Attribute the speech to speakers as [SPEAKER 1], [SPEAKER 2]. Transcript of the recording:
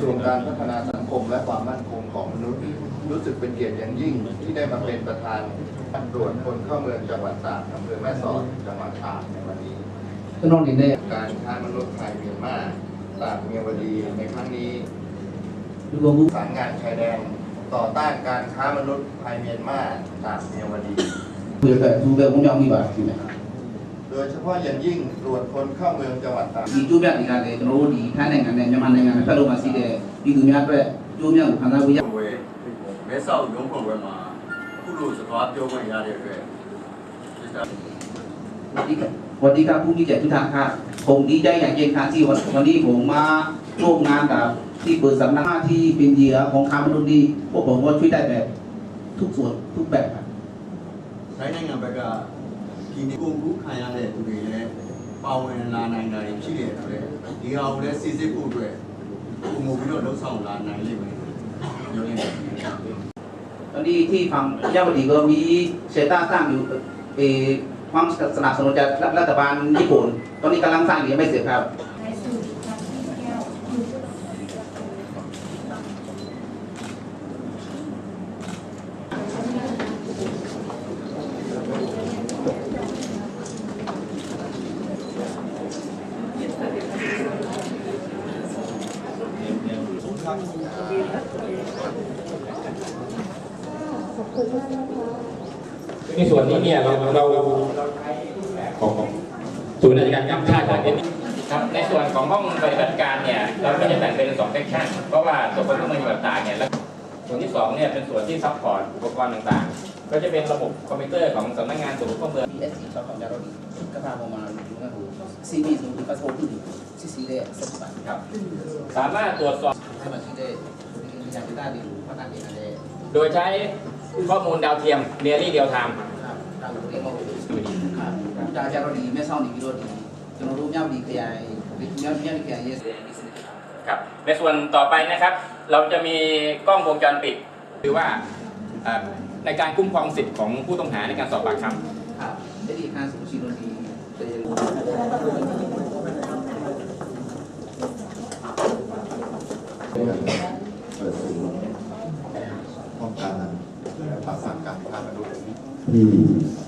[SPEAKER 1] วงการพัฒนาสังคมและความมั่นคงของมนุษย์รู้สึกเป็นเกียรติอย่างยิ่งที่ได้มาเป็นประธานตรวจคนเข้าเมืองจังหวัดตากอำเภอแม่สอดจังหวัดตากในวันนี้การค้ามนุษย์ไทยเมียนมาตากเมียวดีในครั้งนี้สารงานชายแดนต่อต้านการค้ามนุษย์ไทยเมียนมาตากเมียวดีโดยเฉพาะอย่างยิ่งตรวจคนเข้าเมืองจังหวัดตาก
[SPEAKER 2] ဒီကျိုးပြတွေကလည်းကျွန်တော်တို့ဒီထိုင်းနိုင်ငံနဲ့မြန်မာနိုင်ငံနဲ့ဖက်လို့မှရှိတဲ့ပြည်သူများအတွက်ကျိုးမြတ်ကိုခံစားပေးရ
[SPEAKER 3] မဲဆောက်ရုံးဖွဲ့ပွဲမှာအခုလိုစကားပြောခွင့်ရတဲ့အတွက်
[SPEAKER 2] วันนี้ครับผู้มีเกียรติทุกท่านครับผมดีใจอย่างยิ่งครับที่วันนี้ผมมาร่วมงานกับที่เปิดสำนักที่เป็นเหยื่อของค้ามนุษย์ดีพวกผมก็ช่วยได้แบบทุกส่วนทุกแบบครับ
[SPEAKER 3] ထိုင်းနိုင်ငံဘက်ကဒီနေ့ကိုလူခံရတဲ့သူတွေလည်းပါဝင်လာနိုင်တာရှိတယ်ဆိုတော့ဒီဟာကိုလည်းစစ်စစ်ဖို့အတွက်ပုံမူပြီးတော့လှုပ်ဆောင်လာနိုင်လိမ့်မယ်ပြောနေတယ်
[SPEAKER 2] ตอนนี้ที่ฝั่งยาวดีก็มีเชต้าสร้างอยู่ความสนับสนุนจากรัฐบาลญี่ปุ่นตอนนี้กำลังสร้างอยู่ไม่เสร็จครับ
[SPEAKER 4] ในส่วนนี้เนี่ยเราของศูนย์ราชการข้ามชาติของครับในส่วนของห้องปฏิบัติการเนี่ยเราก็จะแบ่งเป็น2เซกชันเพราะว่าตัวคนเข้าเมืองต่างๆเนี่ยแล้วส่วนที่2เนี่ยเป็นส่วนที่ซัพพอร์ตอุปกรณ์ต่างๆก็จะเป็นระบบคอมพิวเตอร์ของสำนักงานตรวจคนเข้าเมือง
[SPEAKER 2] BSC ชอบของยาเราดีก็พามาดูนะครูCB สูงถึงกระโปรงที่ได้สักบาท
[SPEAKER 4] ครับสามารถตรวจสอบ
[SPEAKER 2] ให้มาที่ได้ที่จะได้ดีพัฒนาดีอะไร
[SPEAKER 4] โดยใช้ข้อมูลดาวเทียมเรียลลี่เดียลไทม์
[SPEAKER 2] ทางเรียกว่าครับจากเราดีไม่เศร้าดีวิโรดีจนรู้ย่ำดีขยายย่ำดีขยายเยส
[SPEAKER 4] ครับในส่วนต่อไปนะครับเราจะมีกล้องวงจรปิดหรือว่าในการคุ้มครองสิทธิ์ของผู้ต้องหาในการสอบปากคำ
[SPEAKER 2] ครับได้ดีการสูญเสียดี
[SPEAKER 1] เปิดศูนย์ป้องกันและปราบปรามการค้ามนุษย์